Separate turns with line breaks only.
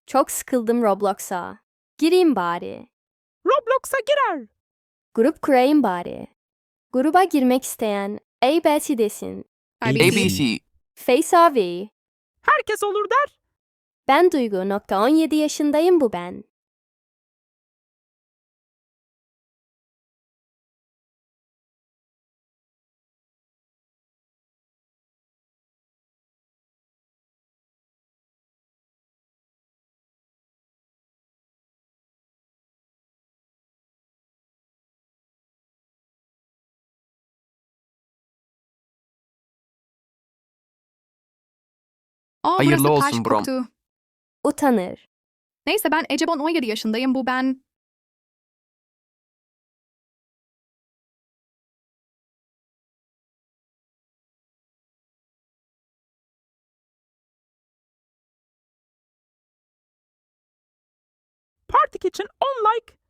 Çok sıkıldım Roblox'a. Gireyim bari.
Roblox'a girer.
Grup kurayım bari. Gruba girmek isteyen ABC desin.
ABC.
Face abi.
Herkes olur der.
Ben Duygu. 17 yaşındayım bu ben.
Hayırlı
burası
olsun
taş
Brom.
koktu.
Utanır.
Neyse ben Ecebon 17 yaşındayım bu ben.
Partik için 10 like,